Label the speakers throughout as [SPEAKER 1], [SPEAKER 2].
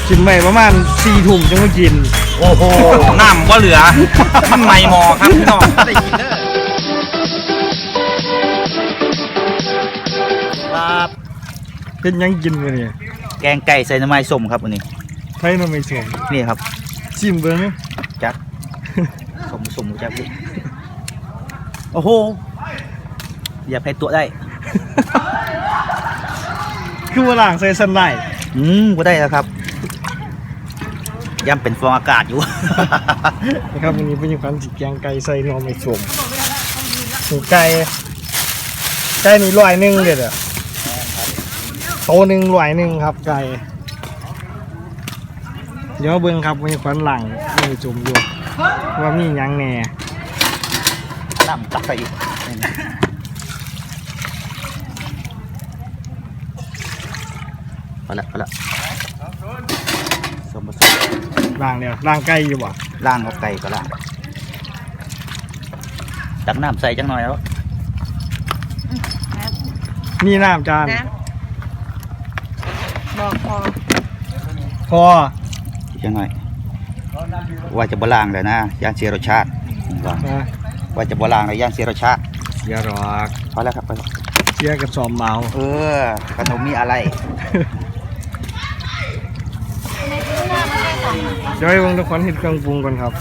[SPEAKER 1] กินไปประมาณ4 ถุงจังมากิน
[SPEAKER 2] โอ้โหน้ำว่าเหลือมันไม่หมอครับพี่น้องได้กินเด้อครับ
[SPEAKER 1] เป็นยังกินมาเนี่ย
[SPEAKER 2] แกงไก่ใส่น้ำมันส้มครับวันนี้
[SPEAKER 1] ไผ่น้ำไม่ส้ม
[SPEAKER 2] นี่ครับ
[SPEAKER 1] ชิมเบิ้ง
[SPEAKER 2] จักส้มจักโอ้โหอย่าแพ้ตัวได้
[SPEAKER 1] คือว่าล่างใส่สันไล
[SPEAKER 2] ก็ได้แล้วครับย่ำเป็นฟองอากาศอยู่
[SPEAKER 1] นะครับวันนี้เป็นอย่างการจิกแกงไก่ใส่นมไม่ส้มไก่นี่100เด็ดอะโต1 100ครับไก่เดี๋ยวเบิ้งครับมีควันหลังมีจุ่มอยู่ว่ามียังแหน่
[SPEAKER 2] น้ำตักใส่อีกพอละสมบูรณ์
[SPEAKER 1] ล่างเนี่ยล่างไก่อยู่บ่
[SPEAKER 2] ล่างเอาไก่ก็ล่างตักน้ำใส่จังหน่อยแล้ว
[SPEAKER 1] นี่น้ำจาน
[SPEAKER 3] บอก
[SPEAKER 1] พอ
[SPEAKER 2] จังหน่อยว่าจะบล่างเลยนะย่างเสียรสชาติว่าจะบล่างเลยย่างเสียรสชาติ
[SPEAKER 1] เสียหรอก
[SPEAKER 2] พอแล้วครับ
[SPEAKER 1] เสียกับซอมเมา
[SPEAKER 2] ขนมมีอะไร
[SPEAKER 1] เดี๋ยวให้วงทุกคนเห็นเครื่องปรุงก่อนครับ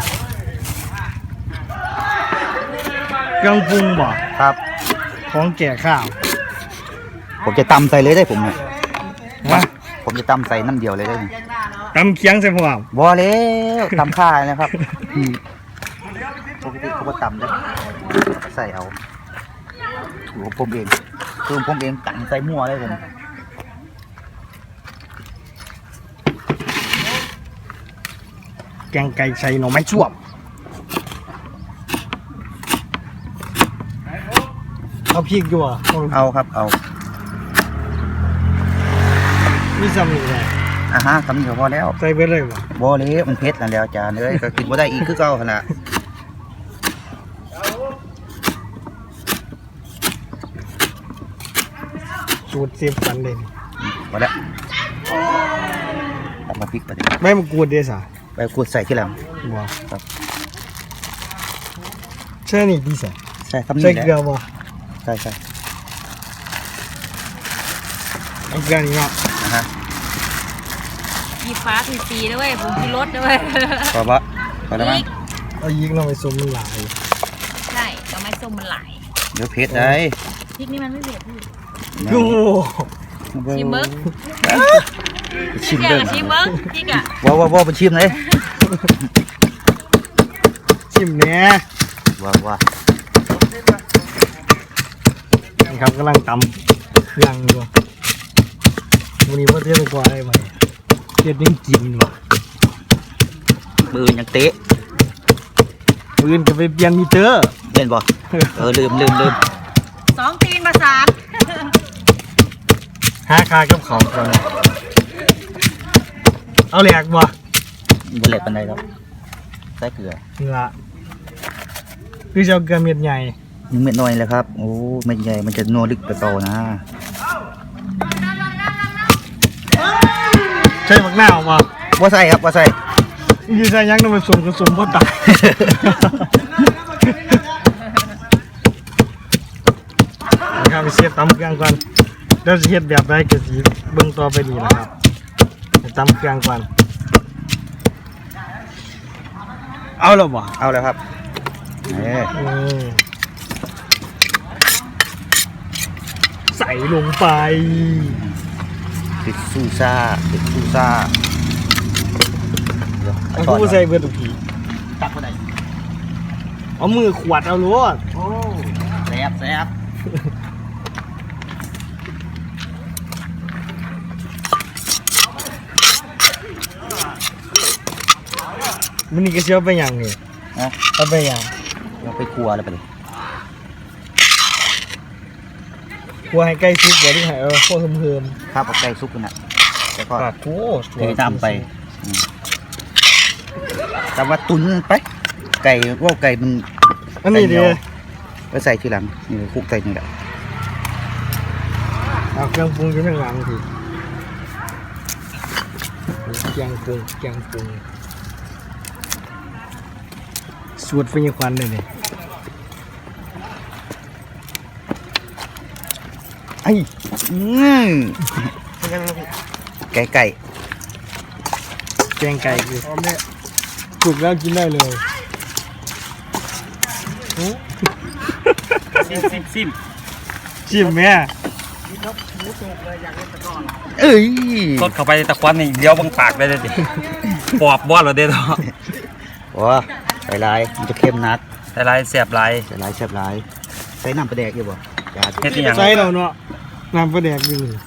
[SPEAKER 1] เครื่องปรุงบ่
[SPEAKER 2] ครับ
[SPEAKER 1] ของแก่ข้าว
[SPEAKER 2] ผมจะตำใส่เลยได้ผมเนี่ยผมจะตำใส่น้ำเดียวเลยได้
[SPEAKER 1] ตำเคียงใส่ผม
[SPEAKER 2] บ่แล้วตำข่านะครับปกติเขาก็ตำได้ใส่เอาถูกผมเองกันใส่มั่วเลยผม
[SPEAKER 1] แกงไก่ใส่หน่อไม้ช่วมเอาพริกอยู่อ่ะ
[SPEAKER 2] เอาครับเอา
[SPEAKER 1] มีซ้ำนี่แหละ
[SPEAKER 2] คำนี้ก็พอแล้ว
[SPEAKER 1] ใส่ไปเลย
[SPEAKER 2] บ่เลยมันเผ็ดแล้วจานเลยก็กินบ่ได้อีกคือเก่าขนาด
[SPEAKER 1] สูตรเสียบกันเลย
[SPEAKER 2] พอแล้วตักมาพริกไปดิ
[SPEAKER 1] ไม่มากรูดเดี๋ยว
[SPEAKER 2] ไปขูดใส่ที่หลัง
[SPEAKER 1] ว้า
[SPEAKER 2] ครับ
[SPEAKER 1] ใช่นี่ดีใส่
[SPEAKER 2] คำนี้
[SPEAKER 1] ใส่เกลือบ่
[SPEAKER 2] ใช่
[SPEAKER 1] เอาเกลือนี่เนาะ
[SPEAKER 3] ยีฟ้าสีด้วยผมมีรถด้วย
[SPEAKER 2] พอแล้วมั้ง
[SPEAKER 1] เอายิงเราไปส้มมันหลาย
[SPEAKER 3] ใช่ก็ไม่ส้มมันหลาย
[SPEAKER 2] เดี๋ยวเผ็ดได้
[SPEAKER 3] พริกนี่มันไม่เผ็ดพี่
[SPEAKER 1] โอ้
[SPEAKER 3] ชิมเบิ้ง
[SPEAKER 2] ชิมเบิ้ง
[SPEAKER 3] พริกอ่ะ
[SPEAKER 2] ว่าเป็นชิมเลย
[SPEAKER 1] ชิมเนี้ย
[SPEAKER 2] ว่า
[SPEAKER 1] นี่ครับกำลังตำเครื่องอยู่วันนี้ว่าเทียบกว่าอะไรไหมเทียบยังกินว่ะ
[SPEAKER 2] มือยังเตะ
[SPEAKER 1] มือจะไปเปลี่ยนมิเตอร์
[SPEAKER 2] เห็นบ่ลืม
[SPEAKER 3] 2 ตีนมา3
[SPEAKER 1] หาคากับเขาก่อนเอาแหลกบ่
[SPEAKER 2] แหลกปันใดครับใส่เกลือ
[SPEAKER 1] นี่ละคือจะเอาเกลือเม็ดใหญ่
[SPEAKER 2] เม็ดน้อยเลยครับโอ้เม็ดใหญ่มันจะนัวลึกไปโตนะ
[SPEAKER 1] ใช่ผักหน้าออกมา
[SPEAKER 2] ว่าใส่ครับว่าใส่
[SPEAKER 1] ยี่ใส่ยังต้องไปสมกระสมพ่อตายนะครับไปเสียบตำเครื่องก่อนแล้วจะเฮ็ดแบบไรก็สิเบิ่งต่อไปดีนะครับตำเครื่องก่อนเอาแล้วบ่
[SPEAKER 2] เอาแล้วครับ
[SPEAKER 1] ใส่ลงไป
[SPEAKER 2] ติดซูซ่า
[SPEAKER 1] เอาผู้ใส่เบอร์ตุกี
[SPEAKER 2] ตักไปไหน
[SPEAKER 1] เอามือขวดเอาล้วน
[SPEAKER 2] โอ้แซ่บ
[SPEAKER 1] มันนี่ก็เชื่อไปอย่างนี่เอาไปอย่าง
[SPEAKER 2] เราไปครัวแล้วไปเลย
[SPEAKER 1] ครัวให้ใกล้ซุปเดี๋ยวที่ให้พวกเพิ่ม
[SPEAKER 2] ครับเอาไก่ซุปกันนะแล้วก็เทน้ำไปแต่ว่าตุนไปไก่ว่าไก่มัน
[SPEAKER 1] อันนี้ดี
[SPEAKER 2] ไปใส่ทีหลังนี่คลุกใส่นี่แหละ
[SPEAKER 1] เอาเครื่องปรุงอยู่ข้างหลังทีเกียงปรุงสูตรเป็นยังควันเลยเนี่ย
[SPEAKER 2] ไอ้ไก่
[SPEAKER 1] แกงไก่คือถูกแล้วกินได้เลย
[SPEAKER 4] ซิม
[SPEAKER 1] ชิมแม่
[SPEAKER 2] เอ้ย
[SPEAKER 4] สดเข้าไปตะควันนี่เดี๋ยวบังปากได้เลยดิปอบบ่เราเด้อ
[SPEAKER 2] โอ้ใส่ลายมันจะเข้มนัก
[SPEAKER 4] แต่ลายแสบลาย
[SPEAKER 2] ใส่ลายแซ่บลายใส่น้ำปลาแดกอยู่บ่จ้า
[SPEAKER 4] เฮ็ดอีหยัง
[SPEAKER 1] ใส่เราเนาะน้ำปลาแดกอยู่นี่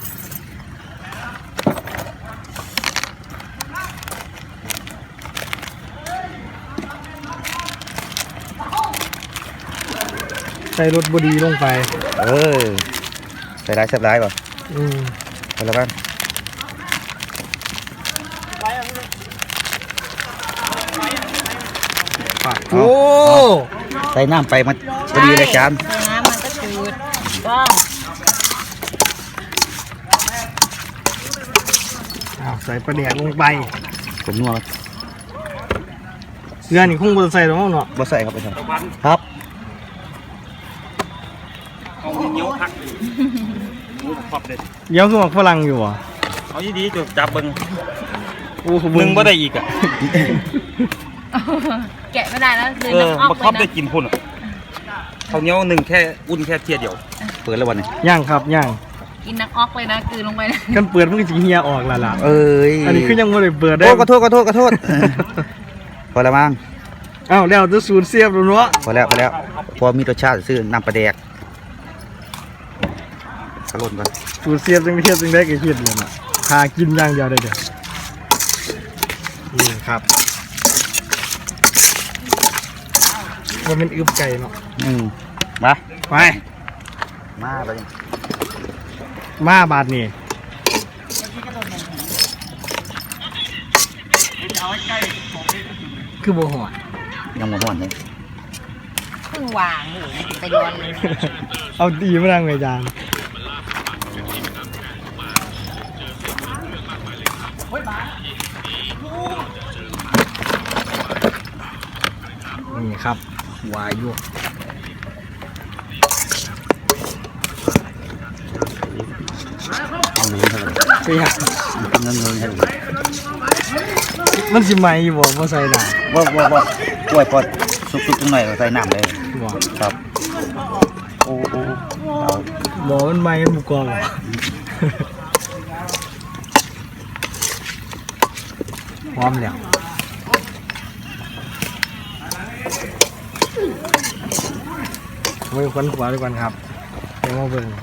[SPEAKER 1] ใส่รสบดีลงไป
[SPEAKER 2] ใส่ลายแซ่บลายบ่
[SPEAKER 1] ม
[SPEAKER 2] ใส่แล้วกัน
[SPEAKER 1] โอ้
[SPEAKER 2] ใส่น้ำไปมันพอดีเลยจาน
[SPEAKER 3] ใส่น้ำมันก็จืดต้อง
[SPEAKER 1] ใส่ปลาแดกลงไป
[SPEAKER 2] ผมนัว
[SPEAKER 1] เกลือนี่คงบ่ต้องใส่หรอกเนาะ
[SPEAKER 2] บ่ใส่ครับไปทำครับ
[SPEAKER 4] เอาเหนียวพักขอบเด็ด
[SPEAKER 1] เดี๋ยวคือหมักฝรั่งอยู่อ่ะ
[SPEAKER 4] เอาดีๆจุดจับเบิ่ง
[SPEAKER 1] โอ้โห
[SPEAKER 4] มึงบ่ได้อีกอ่ะ
[SPEAKER 3] แกะไม่ได้แล้วคือ
[SPEAKER 4] บั
[SPEAKER 3] น้ำ
[SPEAKER 4] ก
[SPEAKER 3] ออก
[SPEAKER 4] ค
[SPEAKER 3] เล
[SPEAKER 4] รอบได้
[SPEAKER 3] ยนะ
[SPEAKER 4] กินพุ่นเขาเหนียวหนึ่งแค่อุ่นแค่เทียเดียว
[SPEAKER 2] เปิดแล้ววันนี้
[SPEAKER 1] ย่างครับย่าง
[SPEAKER 3] กินน้ำออกเลยนะคือลงไปนะ
[SPEAKER 1] กันเปิดมันก็จะเฮียออกละล่ะ
[SPEAKER 2] เอ้ย
[SPEAKER 1] อันนี้คือยังไม่ได้เปิดได้
[SPEAKER 2] โอ้ขอโทษพอแล้วมั้ง
[SPEAKER 1] อ้าวแล้วจะสูตรเสียบแล้วเนาะ
[SPEAKER 2] พอแล้วพอมีรสชาติซื้อน้ำปลาแดกกระล่นก่อน
[SPEAKER 1] สูตรเสียบจังเทียบจังได้ก็คิดเลยนะหากินอย่างเดียวได้เด้อนี่ครับมันเป็นอึบไก่เนาะ
[SPEAKER 2] มา
[SPEAKER 1] ไป
[SPEAKER 2] มาไป
[SPEAKER 1] มาบาทนี่คือบ่หอด
[SPEAKER 2] ยังหมดวันเลย
[SPEAKER 3] เพิ่งวางอยู่ไปโยนเลย
[SPEAKER 1] เอาดีมาดังเลยจานนี่ครับวายุ
[SPEAKER 2] เอาเงินเท่าไหร่
[SPEAKER 1] เสีย
[SPEAKER 2] เงินเท่าไหร่
[SPEAKER 1] มันสิไหมอยู่บ่บ่ใส่หนา
[SPEAKER 2] ว่ากล้วยพอสุกๆตรงไหนเราใส่น้ำเลย
[SPEAKER 1] บ่
[SPEAKER 2] ครับ โอ้เอา
[SPEAKER 1] บ่มันไหมมันบ่กรอบหรอกพร้อมแล้วไว้ควันขวาด้วยกันครับเดี๋ยวมาเบิ่ง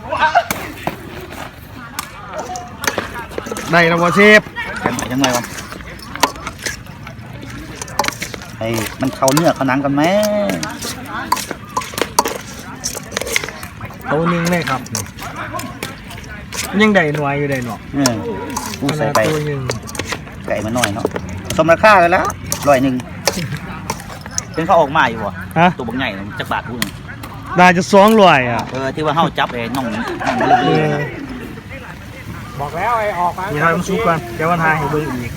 [SPEAKER 1] ได้แล้วบ่เชฟ
[SPEAKER 2] ยังไงวะไอ้มันเข้าเนื้อเข้าหนังกันไหม
[SPEAKER 1] โตนึงเลยครับนี่ยังได้หน่วยอยู่ได้เนาะ
[SPEAKER 2] กูใส่ไป
[SPEAKER 1] ตัวนึง
[SPEAKER 2] ไก่มันน้อยเนาะสมราคากันแล้ว100เป็นเขาออกมาอยู่วะ
[SPEAKER 1] ฮะ
[SPEAKER 2] ตัวบางใหญ่จักบาทกู
[SPEAKER 1] ได้จะ200อ่ะ
[SPEAKER 2] ที่ว่าเฮาจับไอ้น้องมันเลื่อยๆนะ
[SPEAKER 1] บอกแล้วไอ้ออกมานี่ครับมันซุกกันเดี๋ยววันทายให้เบิ่งอีก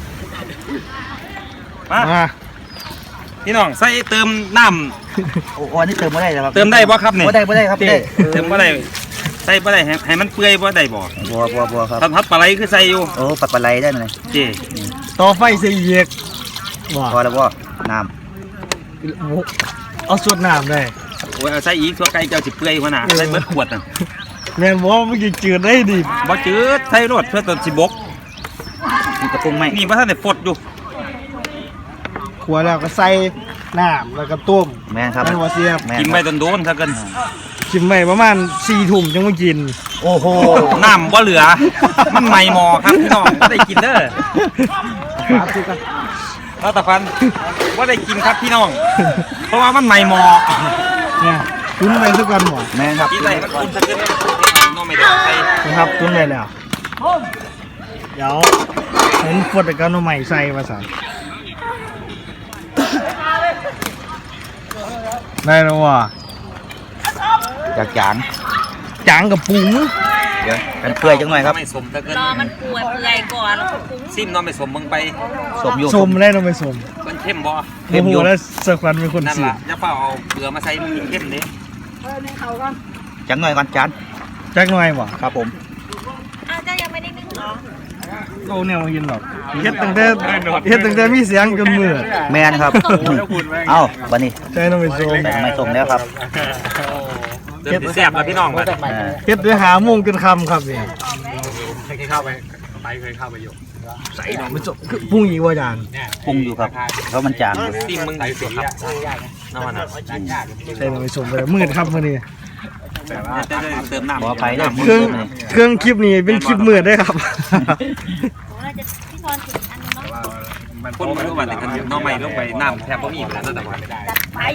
[SPEAKER 4] มา
[SPEAKER 1] มา
[SPEAKER 4] พี่น้องใส่เติมน้
[SPEAKER 2] โอ้อันนี้เติมไม่ได้ครับ
[SPEAKER 4] ำเติมได้บ่ครับเนี่ย
[SPEAKER 2] บ่ได้ครับได้
[SPEAKER 4] เติมบ่ได้ใส่บ่ได้ให้มันเปื่อยบ่ได้บ่
[SPEAKER 2] บัวครับ
[SPEAKER 4] ทัดปลาไหลคือใส่อยู่
[SPEAKER 2] โอ้ปัดปลาไหลได้เลย
[SPEAKER 4] เจ้
[SPEAKER 1] ต่อไฟเสียอีกว่า
[SPEAKER 2] พอแล้วบ่น้
[SPEAKER 1] เอาสดน้ำได้
[SPEAKER 4] โอ้ยเอาใส่อีกตัวไก่เจ้าสิเปื่อยหัวหน้าใส่เบิดขวดน่ะ
[SPEAKER 1] แม่นบอกว่าเมื่อกี้จืดได้ดิ
[SPEAKER 4] บ่จืดใส่รสเพื่อตอนสิบก
[SPEAKER 2] ำมีกระปุกไหม
[SPEAKER 4] นี่บ่ทันได้ฟดอยู่
[SPEAKER 1] ขัวแล้วก็ใส่น้ำแล้วก็ต้ม
[SPEAKER 2] แม่นครับ
[SPEAKER 1] แม่นว่าเสียบ
[SPEAKER 2] แม่น
[SPEAKER 4] กินไว้โดนๆซะกัน
[SPEAKER 1] ชิมไปประมาณ4 ทุ่มจังมากิน
[SPEAKER 2] โอ้โห
[SPEAKER 4] น้ำบ่เหลือ มันไหม้หม้อครับพี่น้องบ่ได้กินเด้อแล้วตะพันบ่ได้กินครับพี่น้อง เพราะว่ามันไหม้หม้อ
[SPEAKER 1] เนี่ยตุ้นไปทุกวันหมด
[SPEAKER 2] แม่นครับ
[SPEAKER 4] กินได้มันกินซะกันน้องไม่ได้ใส่
[SPEAKER 1] นะครับตุ้นไปแล้วเดี๋ยวเห็นฟดแต่กันเอาใหม่ใส่มาสั่นได้แล้วว่ะ
[SPEAKER 2] จากจาง
[SPEAKER 1] จางกับปุ๋ง
[SPEAKER 2] ดี๋ยวกันเปื่อยจังหน่อยครับ
[SPEAKER 4] ไม่สมถ้าเกิน
[SPEAKER 3] รอมันเปื่อยก่อนแล้วก็ปรุง
[SPEAKER 4] ซิมน้องไม่สมมึงไป
[SPEAKER 2] สมอยู่
[SPEAKER 1] สมได้น้องไปสม
[SPEAKER 4] มันเข้มบ่
[SPEAKER 1] โอ้โหแล้วเสือควันเป็นคน
[SPEAKER 4] นั่น
[SPEAKER 1] สี
[SPEAKER 4] ล่ะอย่าเฝ้าเอาเกลือมาใส่มันเข้มเด้
[SPEAKER 2] จังหน่อยก่อนจาน
[SPEAKER 1] จักหน่อยบ่
[SPEAKER 2] ครับผม
[SPEAKER 3] อ้าวเจ้ายังไม่ได้นึ่งเหรอ
[SPEAKER 1] โอ้เนี่ยมากินหรอกเฮ็ดตั้งแต่มีเสียงจนมือ
[SPEAKER 2] แมนครับเอ้าวันนี้
[SPEAKER 1] ใช่น้องไปสม
[SPEAKER 2] ใส่ไม่สมแล้วครับ
[SPEAKER 4] เดินสิแซ่บแล้วพี่น้องบัด
[SPEAKER 1] เฮ็ดด้วยหาโมงจนค่ำครับเนี่ย
[SPEAKER 4] เคยเข้าไปอยู่
[SPEAKER 1] ใส่น้องไปสมคือปรุงอีกว่าจาน
[SPEAKER 2] ปรุงอยู่ครับเพราะมันจางอยู่
[SPEAKER 4] ซิมมึงใส่สุดครับน้ำมัน
[SPEAKER 1] ใส่น้องไปสมไปแล้วมืดครับมื้อนี้
[SPEAKER 4] จะเติมน้ำ
[SPEAKER 2] ขอไปได้
[SPEAKER 1] เครื่องคลิปนี้เป็นคลิปมืดได้ครับ
[SPEAKER 3] โอ้เราจะพี่พรถึงอันนึงเนาะ
[SPEAKER 4] คนมารู้ว่าแต่กันน้องใหม่ลงไปน้ำแทบบ่มีแล้วแต่ว่า
[SPEAKER 3] จัดไป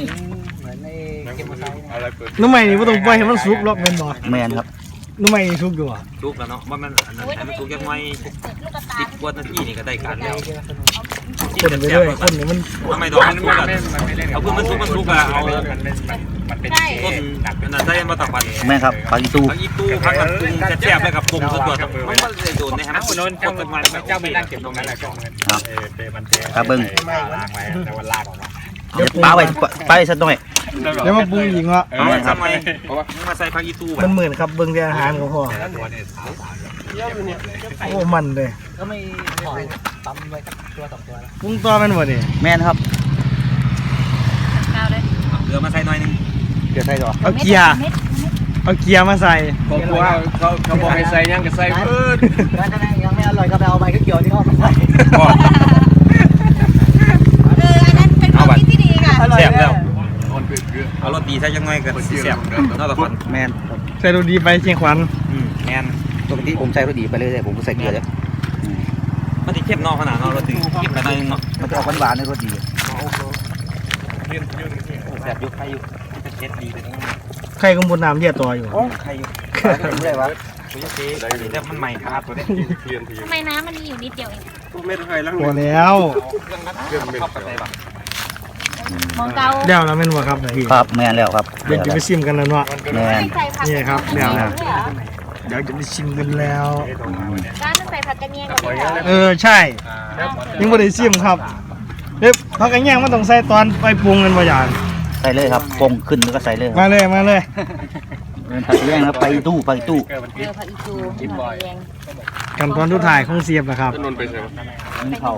[SPEAKER 1] น้ำใหม่นี่บ่ต้องปล่อยให้มันสุกหรอกแม่นบ่
[SPEAKER 2] แมนครับ
[SPEAKER 1] น้ำใหม่นี่สุกอยู่อ่ะ
[SPEAKER 4] ทุกแล้วเนาะว่ามันอันนั้นให้มันทุกยังไง
[SPEAKER 3] ลูกกระตา
[SPEAKER 4] 10กว่านาทีนี่ก็ได้การแล้ว
[SPEAKER 1] คนไปเรื่อยคนนี่มัน
[SPEAKER 4] ทำไมดอกมันก็เอาเพื่อมันสุกอะเอา
[SPEAKER 3] ใช่
[SPEAKER 4] ต้นอันนั้นใส่มาตักวัน
[SPEAKER 2] แม่นครับปลาอีตู
[SPEAKER 4] ผักอีตู้ผักกับปรุงแซ่บๆเลยกับปรุงส่วนตัวมันไม่ได้โดนนะฮะมันโดนคนเป็นมันเจ้าไม่นั่งเก็บตรงนั้นแหละ
[SPEAKER 2] ครับเบิ้งเดี๋ยวปลาไว้สักหน่อย
[SPEAKER 1] เดี๋ยวมาปรุงอีกเนาะ
[SPEAKER 4] เอาทำไมมาใส่ผักอีตู้
[SPEAKER 1] มันเหมือนครับเบิ่งแต่อาหารก็พอโอ้มันเลยปรุงต่อแม่นบ่นี่
[SPEAKER 2] แม่นครับ
[SPEAKER 3] ข้าวเลย
[SPEAKER 4] เกลือมาใส่หน่อยนึง
[SPEAKER 2] เดี๋ยวใส่ต่อ
[SPEAKER 1] เอาเกียร์มาใส่
[SPEAKER 5] ผมว่าเขาบอกให้ใส่ยังก็ใส่เพิ่น
[SPEAKER 2] ยังไม่อร่อยก็ไปเอาใบเขียวที่เขาใส่
[SPEAKER 3] อันนั้นเป็นความคิดที่ดีค่ะ
[SPEAKER 4] แซ่บแล้วเอารสดีใส่ยังไงกันแซ่บนอกจากคน
[SPEAKER 2] แมน
[SPEAKER 1] ใส่ดูดีไปเชียงขวัญ
[SPEAKER 4] แมน
[SPEAKER 2] ปกติผมใส่รสดีไปเลยผมใส่เกลือเลย
[SPEAKER 4] มันจะเข้มนอกขนาดนอกรสดีเข้มขนาดนึงเนาะ
[SPEAKER 2] มันจะออกหวานๆในรสดี
[SPEAKER 4] แซ่บยุคไทยยุคจะเช็ดดีเลย
[SPEAKER 1] ใครกำบนน้ำเลียตัวอยู่
[SPEAKER 4] ไทยยุค
[SPEAKER 2] ไม่ได้วะ
[SPEAKER 4] คุยเจ๊แต่มันใหม่ครับตัวนี้
[SPEAKER 3] ทำไมน้ำมันมีอยู่นิดเดียวเอง
[SPEAKER 1] พอแล้ว
[SPEAKER 4] เข้าไปบ้าง
[SPEAKER 3] มองเกา
[SPEAKER 1] เดี๋ยวแล้วแม่นบ่ครับพี่
[SPEAKER 2] ครับแมนแล้วครับ
[SPEAKER 1] เดี๋ยวจะไปชิมกันแล้วเนาะ
[SPEAKER 2] แมน
[SPEAKER 3] ไม่ใส่ผัก
[SPEAKER 1] นี่ครับเดี๋ยวจะไปชิมกันแล้ว
[SPEAKER 3] ร้านมันใส่ผักกระเนียงกับพี่เหรอ
[SPEAKER 1] ใช่ยังบ่ได้ชิมครับเอ๊ะพักกันย่างมันต้องใส่ตอนไปปรุงกันบ่อย่าง
[SPEAKER 2] ใส่เลยครับปงขึ้นแล้วก็ใส่เลย
[SPEAKER 1] มาเลย
[SPEAKER 2] ผักแยงครับไปตู้
[SPEAKER 3] เออผักอีตูแดง
[SPEAKER 1] กันตอนทุกถ่ายของเสียบนะครับ
[SPEAKER 5] นนไปใช่ไหม
[SPEAKER 3] เป็นข้าว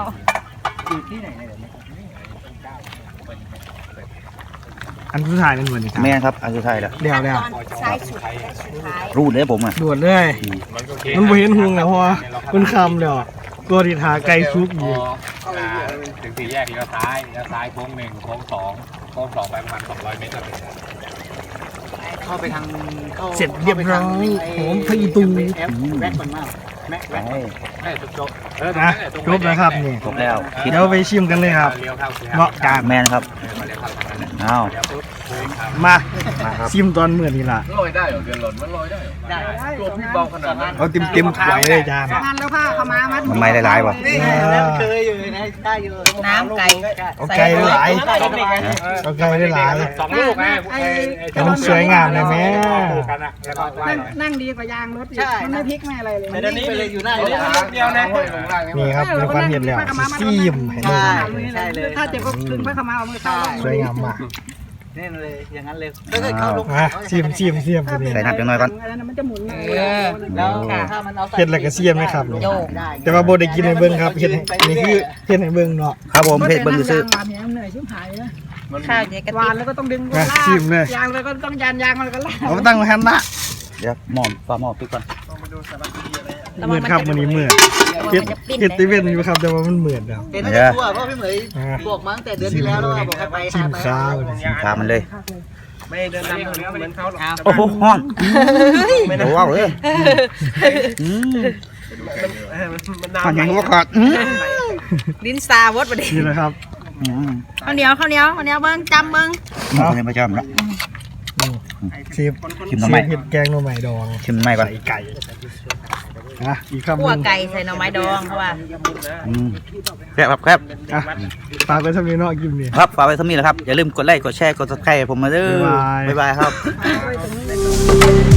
[SPEAKER 1] อันทุกถ่ายนั่นเหมือนกัน
[SPEAKER 2] แมนครับอันสุดท้ายแล้ว
[SPEAKER 1] เดี๋ยว
[SPEAKER 3] ตอนซ้ายสุดสุดท้าย
[SPEAKER 2] รูดเลยผมอ่ะ
[SPEAKER 1] ด่วนเลยมันบ่เห็นหุงแล้วเพราะว่ามันคำแล้วตัวที่หาไก่ซุกอยู่
[SPEAKER 5] ถึงสี่แยกเลี้ยวซ้ายโค้ง1โค้ง2โค้ง2ไปประมาณ200 เมตรเข้าไปทาง
[SPEAKER 1] เสร็จเรียบร้อยหอมพะอีตู
[SPEAKER 5] แม็กมันมากแม็ก
[SPEAKER 2] ไป
[SPEAKER 5] แม็กจบ
[SPEAKER 1] นะครบแล้วครับนี่
[SPEAKER 2] ครบแล้วคิด
[SPEAKER 1] เดี๋ยวไปชิมกันเลยครับ
[SPEAKER 5] เลี้ยวเข้าคือ
[SPEAKER 1] เนาะจาน
[SPEAKER 2] แมนครับ
[SPEAKER 5] มาเลี้ยวเข้าทางนั้น
[SPEAKER 2] อ้าว
[SPEAKER 5] เดี๋ยวปุ๊บโค้งครับ
[SPEAKER 1] มาชิมตอนเมื่อนี่ล่ะ
[SPEAKER 5] ลอยได้เหรอเดือนหล่นมันลอยได้เหรอได้ตัวพี่เบาขนาดนั้น
[SPEAKER 1] เอาเต็มถ้วยเลยจาน
[SPEAKER 2] มันไม่หลายๆว่ะ
[SPEAKER 3] น้ำไก่
[SPEAKER 1] เอาไก่หลายเอาไก่ได้หลาย
[SPEAKER 5] 2 ลูกไง
[SPEAKER 1] แต่มันสวยงามเลยแม่
[SPEAKER 5] แล้วก็ไหว้
[SPEAKER 6] นั่งดีกว่ายางรถอีกมันไม่พลิกไม่อะไรเลย
[SPEAKER 5] แต่เดี๋ยวนี้ไปเลยอยู่หน้าเดียวนะ
[SPEAKER 1] นี่ครับมีความเห็นแล้วซีมให้ดู
[SPEAKER 6] ใช่เลยถ้าเจ็บก็ดึงพระขมาเอามือเข้า
[SPEAKER 1] สวยงามมาก
[SPEAKER 2] อ้าว
[SPEAKER 1] อ่ะซีมตัวนี้
[SPEAKER 2] ใส่น้ำจังหน่อยก่อน
[SPEAKER 6] อันนั้นมันจะหมุน
[SPEAKER 3] แล้วค่ะ
[SPEAKER 1] เฮ็ดแล้วก็เสียมไหมครับนี่
[SPEAKER 3] โยก
[SPEAKER 1] แต่ว่าบ่ได้กินให้เบิ่งครับเฮ็ดนี่คือเฮ็ดให้เบิ่งเนาะ
[SPEAKER 2] ครับผมเพชรเบิ้งซื้อ
[SPEAKER 6] หวานเนี่ยเหนื่อยชิบหายนะ
[SPEAKER 3] ข้าวเดี๋ยวกระ
[SPEAKER 6] หวา
[SPEAKER 3] ติ
[SPEAKER 6] น
[SPEAKER 3] บ
[SPEAKER 6] แล้วก็ต้องดึง
[SPEAKER 1] นะชิมเลย
[SPEAKER 6] ยางแล้วก็ต้องยางมันก็ลาก
[SPEAKER 1] เอาตั้งหันละ
[SPEAKER 2] เดี๋ยวหม้อฝาหม้อปิดก่อน
[SPEAKER 1] เหมือนครับมื้อนี้มื้อเฮ็ดเฮ็ดติเว้นอยู่ครับแต่ว่ามันเหมือนครับ
[SPEAKER 2] เดี๋ยว
[SPEAKER 7] เพราะพี่เหมย
[SPEAKER 1] อ่ะ
[SPEAKER 7] บอกมาตั้งแต่เดือนที่แล้วแล้วว่าบอกให้ไป
[SPEAKER 1] ชิมข้าว
[SPEAKER 2] ตามมันเลย
[SPEAKER 5] ไม่เดินตามเหมือนเขาหรอก
[SPEAKER 2] โอ้โหห้อนโอ้ว้าวเลยมันยังว่าขาด
[SPEAKER 3] ลิ้นซาวดประเดี๋ยว
[SPEAKER 1] นี่แหละครับ
[SPEAKER 3] ข้าวเหนียวเบิ้งจำเบิ้ง
[SPEAKER 2] มันเป็นประจำแล้ว
[SPEAKER 1] เชฟ
[SPEAKER 2] ชิมหน่อไม้
[SPEAKER 1] เฮ็ดแกงหน่อไม้ดอง
[SPEAKER 2] ชิมไม่ก่อน
[SPEAKER 1] ใส่ไก่นะอีกคำห
[SPEAKER 3] คั่ว
[SPEAKER 1] นึง
[SPEAKER 3] ไก่ใส่หน่อไม้ดองเพราะว่า
[SPEAKER 2] แซ่บครับ
[SPEAKER 1] อ่ะฝากไว้สำหรับน้องกินนี่
[SPEAKER 2] ครับฝากไว้เท่านี้แหละครับอย่าลืมกดไลค์กดแชร์กดซับสไครต์ผมมาเด้อบ๊ายบายครับ